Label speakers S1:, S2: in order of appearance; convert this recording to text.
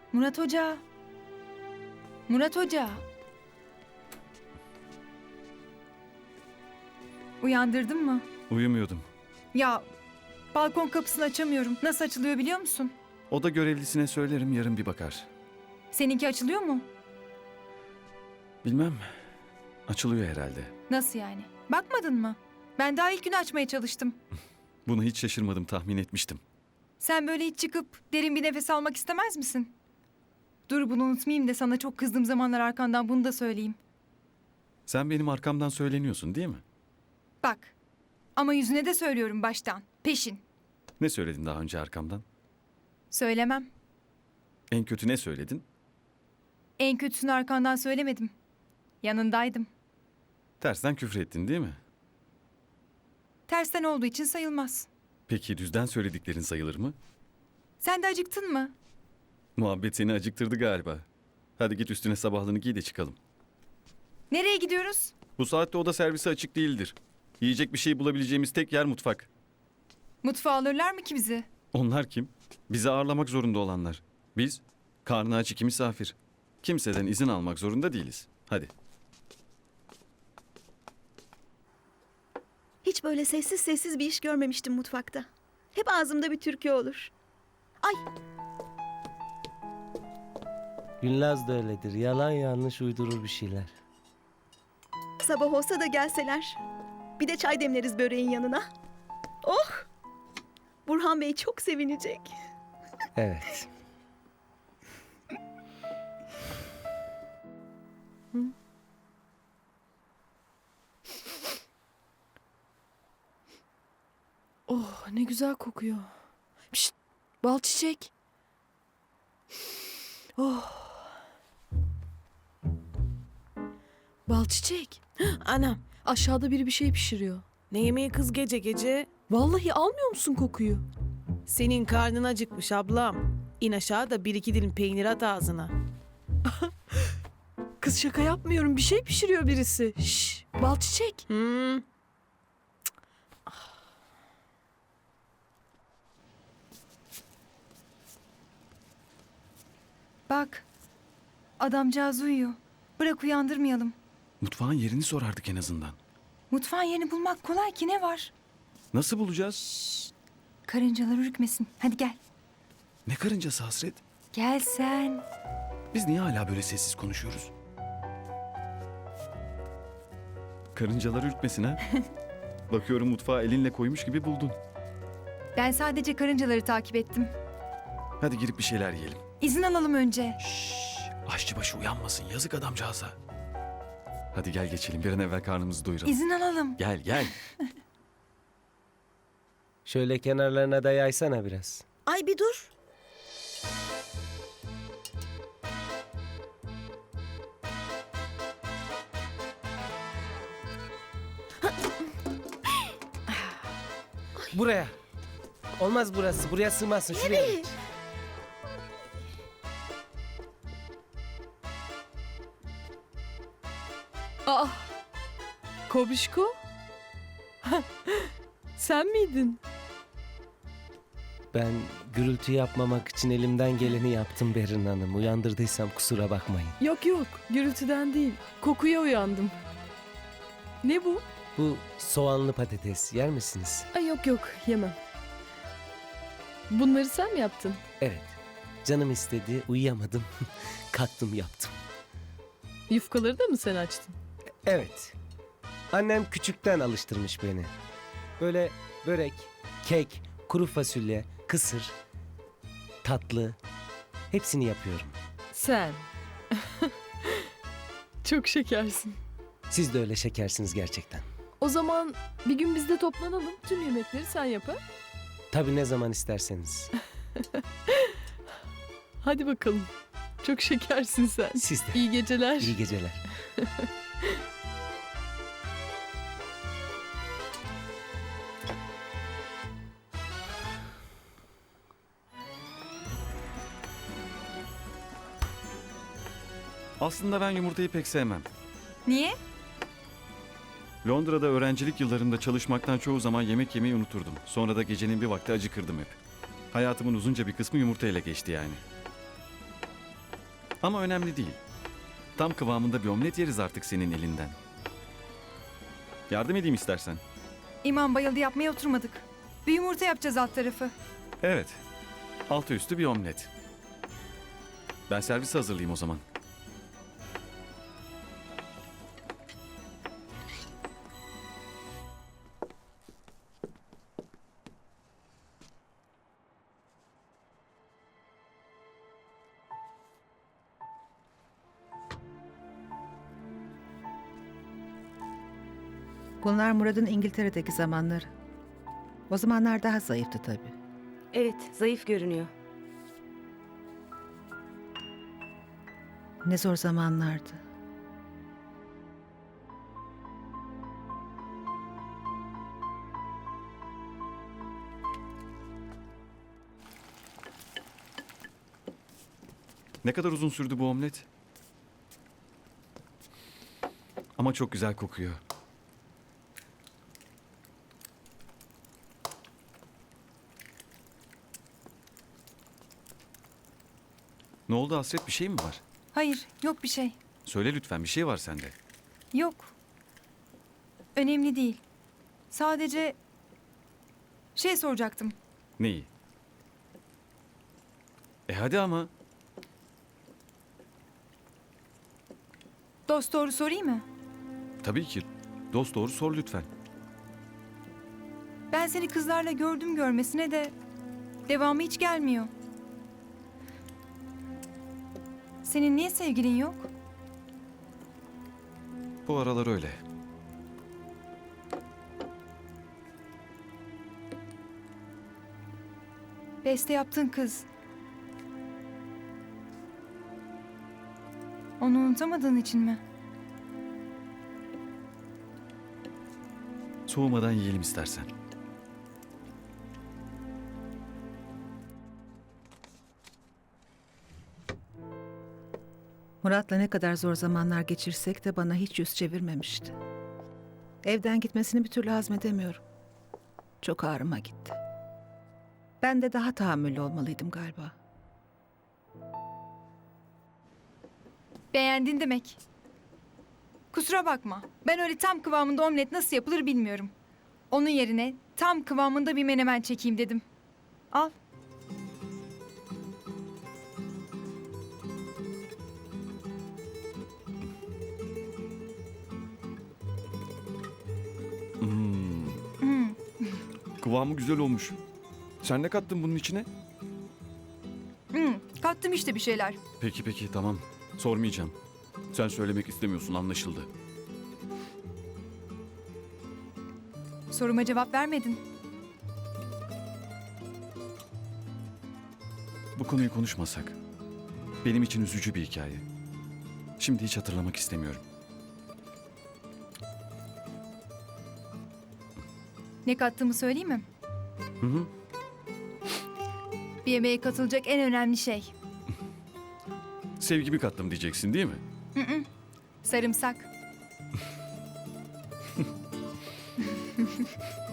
S1: Murat Hoca. Murat Hoca. Uyandırdın mı?
S2: Uyumuyordum.
S1: Ya balkon kapısını açamıyorum. Nasıl açılıyor biliyor musun?
S2: Oda görevlisine söylerim, yarın bir bakar.
S1: Seninki açılıyor mu?
S2: Bilmem. Açılıyor herhalde.
S1: Nasıl yani? Bakmadın mı? Ben daha ilk gün açmaya çalıştım.
S2: Bunu hiç şaşırmadım, tahmin etmiştim.
S1: Sen böyle hiç çıkıp derin bir nefes almak istemez misin? Dur bunu unutmayayım da sana çok kızdığım zamanlar arkandan bunu da söyleyeyim.
S2: Sen benim arkamdan söyleniyorsun değil mi?
S1: Bak ama yüzüne de söylüyorum baştan. Peşin.
S2: Ne söyledin daha önce arkamdan?
S1: Söylemem.
S2: En kötü ne söyledin?
S1: En kötüsünü arkandan söylemedim. Yanındaydım.
S2: Tersten küfür ettin değil mi?
S1: Tersten olduğu için sayılmaz.
S2: Peki düzden söylediklerin sayılır mı?
S1: Sen de acıktın mı?
S2: Muhabbet seni acıktırdı galiba. Hadi git üstüne sabahlığını giy de çıkalım.
S1: Nereye gidiyoruz?
S2: Bu saatte oda servisi açık değildir. Yiyecek bir şey bulabileceğimiz tek yer mutfak.
S1: Mutfağa alırlar mı ki bizi?
S2: Onlar kim? Bizi ağırlamak zorunda olanlar. Biz, karnı aç iki misafir. Kimseden izin almak zorunda değiliz. Hadi.
S3: Hiç böyle sessiz sessiz bir iş görmemiştim mutfakta. Hep ağzımda bir türkü olur. Ay,
S4: Gülnaz da öyledir. Yalan yanlış uydurur bir şeyler.
S3: sabah olsa da gelseler. Bir de çay demleriz böreğin yanına. Oh! Burhan Bey çok sevinecek.
S4: Evet.
S5: Oh ne güzel kokuyor. Pişt, bal çiçek. Oh. Bal çiçek.
S6: Anam,
S5: Aşağıda biri bir şey pişiriyor.
S6: ne yemeği kız gece gece?
S5: Vallahi almıyor musun kokuyu?
S6: Senin karnın acıkmış ablam. İn aşağı da bir iki dilim peynir at ağzına.
S5: Kız şaka yapmıyorum. Bir şey pişiriyor birisi. Şş, bal çiçek.
S6: Hmm.
S1: Bak. Adamcağız uyuyor. Bırak uyandırmayalım.
S2: Mutfağın yerini sorardık en azından.
S1: Mutfağın yerini bulmak kolay ki ne var?
S2: Nasıl bulacağız?
S1: Karıncalar ürkmesin. Hadi gel.
S2: Ne karıncası Hasret?
S1: Gel sen.
S2: Biz niye hala böyle sessiz konuşuyoruz? Karıncalar ürkmesin ha? Bakıyorum mutfağı elinle koymuş gibi buldun.
S1: Ben sadece karıncaları takip ettim.
S2: Hadi girip bir şeyler yiyelim.
S1: İzin alalım önce.
S2: Aşçıbaşı uyanmasın, yazık adamcağıza. Hadi gel geçelim, bir an evvel karnımızı doyuralım.
S1: İzin alalım.
S2: Gel gel.
S4: Şöyle kenarlarına da yaysana biraz.
S3: Ay bir dur.
S4: Buraya. Olmaz burası. Buraya sığmazsın. Şuraya geç.
S5: Aa. Kobişko. Sen miydin?
S4: Ben gürültü yapmamak için elimden geleni yaptım Berin Hanım. Uyandırdıysam kusura bakmayın.
S5: Yok yok. Gürültüden değil. Kokuya uyandım. Ne bu?
S4: Bu soğanlı patates yer misiniz?
S5: Ay yok yok. Yemem. Bunları sen mi yaptın?
S4: Evet. Canım istedi. Uyuyamadım. Kalktım yaptım.
S5: Yufkaları da mı sen açtın?
S4: Evet. Annem küçükten alıştırmış beni. Böyle börek, kek, kuru fasulye, kısır, tatlı hepsini yapıyorum.
S5: Sen. Çok şekersin.
S4: Siz de öyle şekersiniz gerçekten.
S5: O zaman bir gün biz de toplanalım. Tüm yemekleri sen yap ha?
S4: Tabii ne zaman isterseniz.
S5: Hadi bakalım. Çok şekersin sen.
S4: Siz de.
S5: İyi geceler.
S4: İyi geceler.
S2: Aslında ben yumurtayı pek sevmem.
S1: Niye?
S2: Londra'da öğrencilik yıllarımda çalışmaktan çoğu zaman yemek yemeyi unuturdum. Sonra da gecenin bir vakti acıkırdım hep. Hayatımın uzunca bir kısmı yumurtayla geçti yani. Ama önemli değil. Tam kıvamında bir omlet yeriz artık senin elinden. Yardım edeyim istersen.
S1: İmam bayıldı, yapmaya oturmadık. Bir yumurta yapacağız alt tarafı.
S2: Evet. Altı üstü bir omlet. Ben servis hazırlayayım o zaman.
S7: Bunlar Murat'ın İngiltere'deki zamanları. O zamanlar daha zayıftı tabii.
S8: Evet, zayıf görünüyor.
S7: Ne zor zamanlardı.
S2: Ne kadar uzun sürdü bu omlet? Ama çok güzel kokuyor. Ne oldu Hasret, bir şey mi var?
S1: Hayır, yok bir şey.
S2: Söyle lütfen, bir şey var sende.
S1: Yok. Önemli değil. Sadece şey soracaktım.
S2: Neyi? Hadi ama.
S1: Dost doğru sorayım mı?
S2: Tabii ki. Dost doğru sor lütfen.
S1: Ben seni kızlarla gördüm görmesine de devamı hiç gelmiyor. Senin niye sevgilin yok?
S2: Bu aralar öyle.
S1: Beste yaptığın kız. Onu unutamadığın için mi?
S2: Soğumadan yiyelim istersen.
S7: Murat'la ne kadar zor zamanlar geçirsek de bana hiç yüz çevirmemişti. Evden gitmesini bir türlü hazmedemiyorum. Çok ağrıma gitti. Ben de daha tahammüllü olmalıydım galiba.
S1: Beğendin demek. Kusura bakma. Ben öyle tam kıvamında omlet nasıl yapılır bilmiyorum. Onun yerine tam kıvamında bir menemen çekeyim dedim. Al. Hmm.
S2: Kıvamı güzel olmuş. Sen ne kattın bunun içine?
S1: Kattım işte bir şeyler.
S2: Peki tamam. Sormayacağım. Sen söylemek istemiyorsun, anlaşıldı.
S1: Soruma cevap vermedin.
S2: Bu konuyu konuşmasak. Benim için üzücü bir hikaye. Şimdi hiç hatırlamak istemiyorum.
S1: Ne kattığımı söyleyeyim mi?
S2: Hı hı.
S1: Bir yemeğe katılacak en önemli şey.
S2: Sevgimi kattım diyeceksin değil mi?
S1: Sarımsak.